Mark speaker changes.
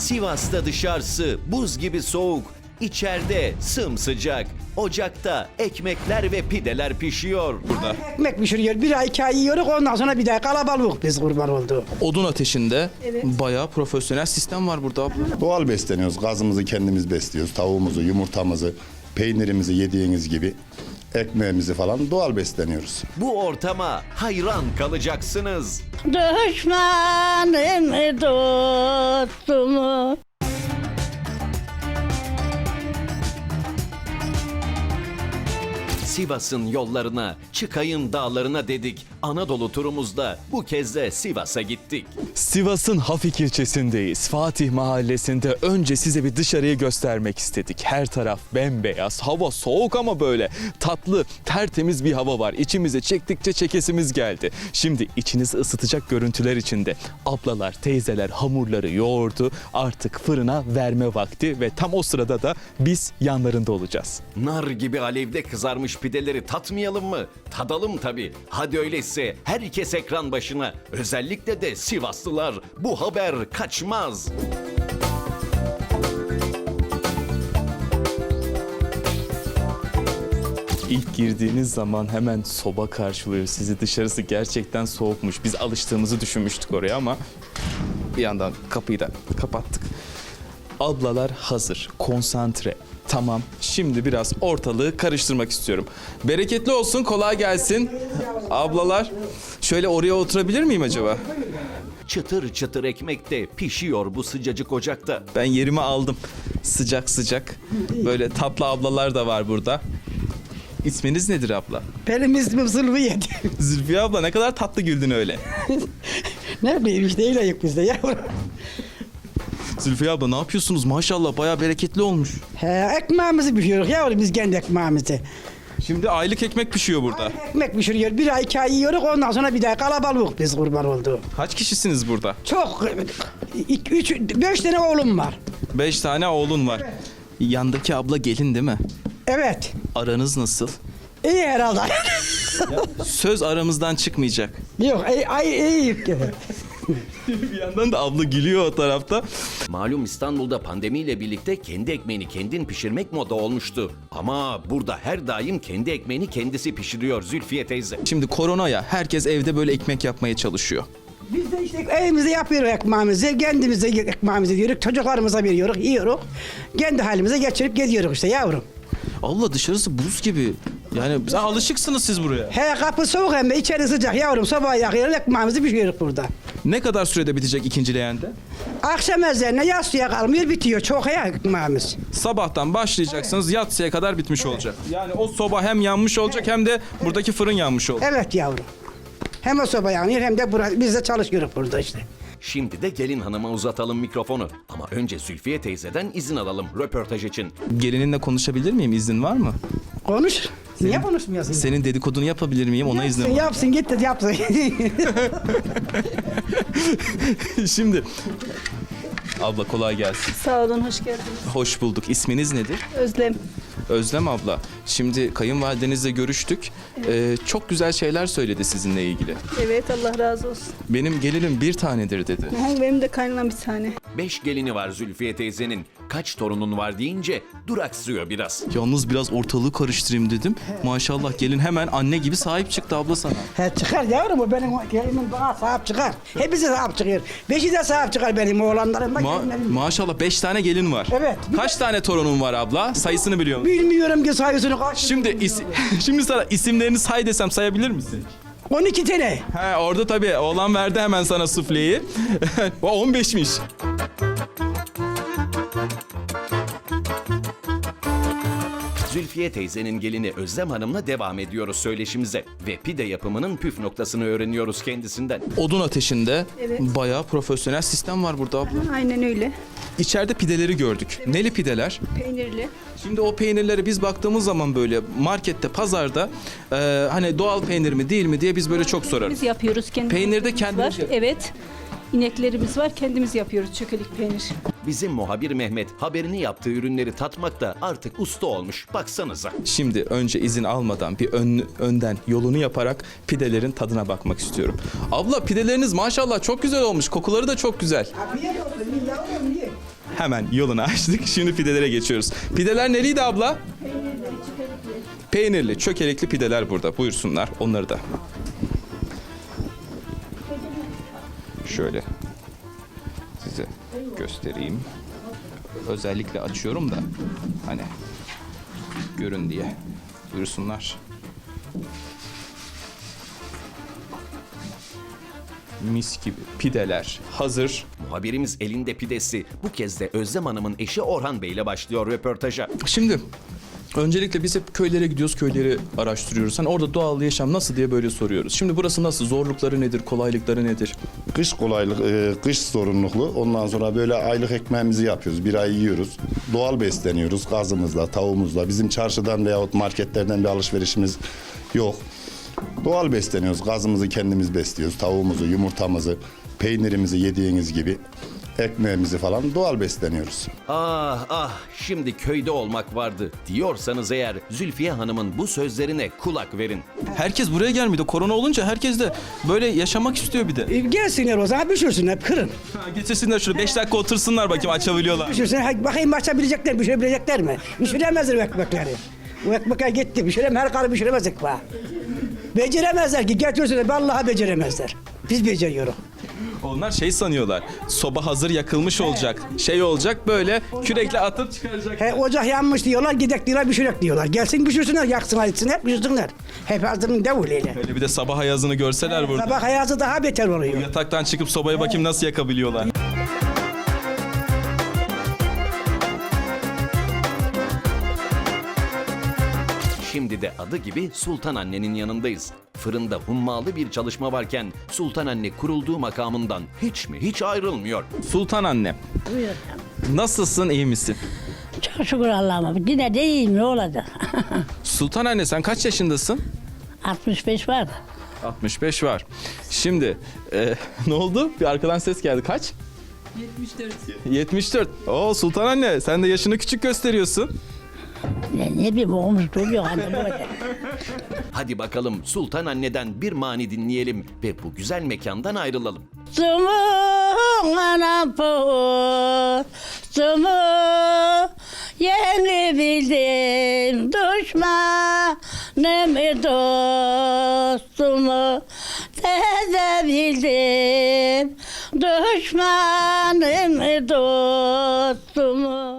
Speaker 1: Sivas'ta dışarısı buz gibi soğuk, içeride sımsıcak. Ocakta ekmekler ve pideler pişiyor burada.
Speaker 2: Ekmek pişiriyor. Bir ay 2 ay yiyoruz, ondan sonra bir daha kalabalık biz kurban oldu.
Speaker 3: Odun ateşinde bayağı profesyonel sistem var burada abla.
Speaker 4: Doğal besleniyoruz. Gazımızı kendimiz besliyoruz. Tavuğumuzu, yumurtamızı, peynirimizi yediğiniz gibi ekmeğimizi falan doğal besleniyoruz.
Speaker 1: Bu ortama hayran kalacaksınız.
Speaker 5: Düşmanım dostumu.
Speaker 1: Sivas'ın yollarına, Çıkay'ın dağlarına dedik. Anadolu turumuzda bu kez de Sivas'a gittik.
Speaker 3: Sivas'ın Hafik ilçesindeyiz. Fatih Mahallesi'nde önce size bir dışarıyı göstermek istedik. Her taraf bembeyaz, hava soğuk ama böyle tatlı, tertemiz bir hava var. İçimize çektikçe çekesimiz geldi. Şimdi içinizi ısıtacak görüntüler içinde. Ablalar, teyzeler hamurları yoğurdu. Artık fırına verme vakti ve tam o sırada da biz yanlarında olacağız.
Speaker 1: Nar gibi alevde kızarmış pideleri tatmayalım mı? Tadalım tabii. Hadi öyleyse herkes ekran başına. Özellikle de Sivaslılar. Bu haber kaçmaz.
Speaker 3: İlk girdiğiniz zaman hemen soba karşılıyor sizi. Dışarısı gerçekten soğukmuş. Biz alıştığımızı düşünmüştük oraya ama bir yandan kapıyı da kapattık. Ablalar hazır, konsantre. Tamam, şimdi biraz ortalığı karıştırmak istiyorum. Bereketli olsun, kolay gelsin. Ablalar, şöyle oraya oturabilir miyim acaba?
Speaker 1: Çıtır çıtır ekmek de pişiyor bu sıcacık ocakta.
Speaker 3: Ben yerimi aldım. Sıcak sıcak. Böyle tatlı ablalar da var burada. İsminiz nedir abla?
Speaker 2: Benim ismim Zülfiye.
Speaker 3: Zülfiye abla, ne kadar tatlı güldün öyle.
Speaker 2: Ne bileyim işte öyle yok bizde yavrum.
Speaker 3: Zülfiye abla ne yapıyorsunuz? Maşallah bayağı bereketli olmuş.
Speaker 2: He, ekmeğimizi pişiriyoruz yavrum biz kendi ekmeğimizi.
Speaker 3: Şimdi aylık ekmek pişiyor burada.
Speaker 2: Ekmek pişiriyor. Bir ay 2 ay yiyoruz, ondan sonra bir daha kalabalık biz kurban oldu.
Speaker 3: Kaç kişisiniz burada?
Speaker 2: Çok 5 tane oğlum var.
Speaker 3: 5 tane oğlun var. Yandaki abla gelin değil mi?
Speaker 2: Evet.
Speaker 3: Aranız nasıl?
Speaker 2: İyi herhalde.
Speaker 3: Söz aramızdan çıkmayacak.
Speaker 2: Yok iyi.
Speaker 3: Bir yandan da abla gülüyor o tarafta.
Speaker 1: Malum İstanbul'da pandemiyle birlikte kendi ekmeğini kendin pişirmek moda olmuştu. Ama burada her daim kendi ekmeğini kendisi pişiriyor Zülfiye teyze.
Speaker 3: Şimdi koronaya herkes evde böyle ekmek yapmaya çalışıyor.
Speaker 2: Biz de işte evimizde yapıyoruz ekmeğimizi, kendimize ekmeğimizi yiyoruz, çocuklarımıza veriyoruz, yiyoruz. Kendi halimize geçirip gidiyoruz işte yavrum.
Speaker 3: Allah dışarısı buz gibi. Yani sen alışıksınız siz buraya.
Speaker 2: He kapı soğuk hem de içeri sıcak yavrum, sobayı yakıyoruz, ekmeğimizi pişiriyoruz burada.
Speaker 3: Ne kadar sürede bitecek ikinci leğende?
Speaker 2: Akşam ezanına yatsıya kalmıyor, bitiyor çok ya ekmeğimiz.
Speaker 3: Sabahtan başlayacaksınız, yatsıya kadar bitmiş olacak. Yani o soba hem yanmış olacak hem de buradaki fırın yanmış olacak.
Speaker 2: Evet yavrum. Hem o soba yanıyor hem de biz de çalışıyoruz burada işte.
Speaker 1: Şimdi de gelin hanıma uzatalım mikrofonu. Ama önce Zülfiye teyzeden izin alalım röportaj için.
Speaker 3: Gelininle konuşabilir miyim? İznin var mı?
Speaker 2: Konuş. Niye konuşmuyorsun?
Speaker 3: Senin dedikodunu yapabilir miyim? Ona iznin var.
Speaker 2: Yapsın git de yapsın.
Speaker 3: Şimdi abla kolay gelsin.
Speaker 5: Sağ olun, hoş geldiniz.
Speaker 3: Hoş bulduk. İsminiz nedir?
Speaker 5: Özlem.
Speaker 3: Özlem abla. Şimdi kayınvalidenizle görüştük. Çok güzel şeyler söyledi sizinle ilgili.
Speaker 5: Evet, Allah razı olsun.
Speaker 3: Benim gelinim bir tanedir dedi.
Speaker 5: Benim de kaynanam bir tane.
Speaker 1: 5 gelini var Zülfiye teyzenin. Kaç torunun var deyince duraksıyor biraz.
Speaker 3: Yalnız biraz ortalığı karıştırayım dedim. Maşallah gelin hemen anne gibi sahip çıktı abla sana.
Speaker 2: He çıkar yavrum, o benim gelinim bana sahip çıkar. Hepsi sahip çıkıyor. 5'i de sahip çıkar benim oğlanlarım da gelinlerim.
Speaker 3: Maşallah 5 tane gelin var.
Speaker 2: Evet.
Speaker 3: Kaç tane torunun var abla? Sayısını biliyor musun?
Speaker 2: Bilmiyorum ki sayısını kaç.
Speaker 3: Şimdi sana isimlerini say desem sayabilir misin?
Speaker 2: 12 tane.
Speaker 3: He orada tabii oğlan verdi hemen sana sufleyi. O 15'miş.
Speaker 1: Zülfiye teyzenin gelini Özlem Hanım'la devam ediyoruz söyleşimize. Ve pide yapımının püf noktasını öğreniyoruz kendisinden.
Speaker 3: Odun ateşinde bayağı profesyonel sistem var burada abla.
Speaker 5: Aynen öyle.
Speaker 3: İçeride pideleri gördük. Neli pideler?
Speaker 5: Peynirli.
Speaker 3: Şimdi o peynirlere biz baktığımız zaman böyle markette, pazarda hani doğal peynir mi değil mi diye biz böyle çok sorarız.
Speaker 5: Biz yapıyoruz kendimiz.
Speaker 3: Peynir de kendiniz
Speaker 5: var.
Speaker 3: yapıyorsunuz.
Speaker 5: Evet. İneklerimiz var, kendimiz yapıyoruz çökelik peynir.
Speaker 1: Bizim muhabir Mehmet haberini yaptığı ürünleri tatmakta artık usta olmuş. Baksanıza.
Speaker 3: Şimdi önce izin almadan bir önden yolunu yaparak pidelerin tadına bakmak istiyorum. Abla pideleriniz maşallah çok güzel olmuş. Kokuları da çok güzel.
Speaker 2: Afiyet olsun yavrum ye.
Speaker 3: Hemen yolunu açtık. Şimdi pidelere geçiyoruz. Pideler neliydi abla? Peynirli, çökelekli pideler burada. Buyursunlar onları da. Şöyle size göstereyim. Özellikle açıyorum da hani görün diye. Buyursunlar. Mis gibi pideler hazır.
Speaker 1: Muhabirimiz elinde pidesi. Bu kez de Özlem Hanım'ın eşi Orhan Bey ile başlıyor röportaja.
Speaker 3: Şimdi öncelikle biz hep köylere gidiyoruz, köyleri araştırıyoruz. Hani orada doğal yaşam nasıl diye böyle soruyoruz. Şimdi burası nasıl? Zorlukları nedir? Kolaylıkları nedir?
Speaker 4: Kış kolaylık, kış sorumluluklu. Ondan sonra böyle aylık ekmeğimizi yapıyoruz. Bir ay yiyoruz. Doğal besleniyoruz. Gazımızla, tavuğumuzla. Bizim çarşıdan veyahut marketlerden bir alışverişimiz yok. Doğal besleniyoruz. Gazımızı kendimiz besliyoruz. Tavuğumuzu, yumurtamızı, peynirimizi yediğiniz gibi ekmeğimizi falan doğal besleniyoruz.
Speaker 1: Ah ah, şimdi köyde olmak vardı diyorsanız eğer Zülfiye Hanım'ın bu sözlerine kulak verin.
Speaker 3: Herkes buraya gelmiyor. Korona olunca herkes de böyle yaşamak istiyor bir de.
Speaker 2: Gelsinler o zaman pişirsinler, kırın.
Speaker 3: Getirsinler şurada 5 dakika otursunlar bakayım açabiliyorlar.
Speaker 2: Pişirsinler, bakayım açabilecekler, pişirebilecekler mi? Pişiremezler o ekmekleri. O ekmekler gitti, her karı pişiremez ekmeği. Beceremezler ki, getirsinler, vallahi beceremezler. Biz beceriyoruz.
Speaker 3: Onlar şey sanıyorlar. Soba hazır yakılmış olacak. Şey olacak böyle kürekle atıp çıkaracak.
Speaker 2: Ocak yanmış diyorlar, gidek diyorlar, pişirek diyorlar. Gelsin pişirsinler, yaksınlar, etsinler, pişirsinler. Hep hazırın devuliyle.
Speaker 3: Öyle bir de sabah ayazını görseler burada.
Speaker 2: Sabah hayatı daha beter oluyor.
Speaker 3: Yataktan çıkıp sobaya bakayım nasıl yakabiliyorlar.
Speaker 1: Şimdi de adı gibi Sultan Anne'nin yanındayız. Fırında hummalı bir çalışma varken Sultan Anne kurulduğu makamından hiç ayrılmıyor.
Speaker 3: Sultan anne.
Speaker 6: Buyur.
Speaker 3: Nasılsın, iyi misin?
Speaker 6: Çok şükür Allah'ıma. Yine de iyiyim, ne olacak?
Speaker 3: Sultan anne sen kaç yaşındasın?
Speaker 6: 65 var.
Speaker 3: 65 var. Şimdi ne oldu? Bir arkadan ses geldi. Kaç? 74. Oo Sultan anne sen de yaşını küçük gösteriyorsun.
Speaker 6: Ne bileyim oğlumuz duruyor hani böyle.
Speaker 1: Hadi bakalım Sultan Anne'den bir mani dinleyelim ve bu güzel mekandan ayrılalım.
Speaker 6: Sumun anam sumu yeni bildim düşmanımı dostumu teze bildim düşmanımı dostumu.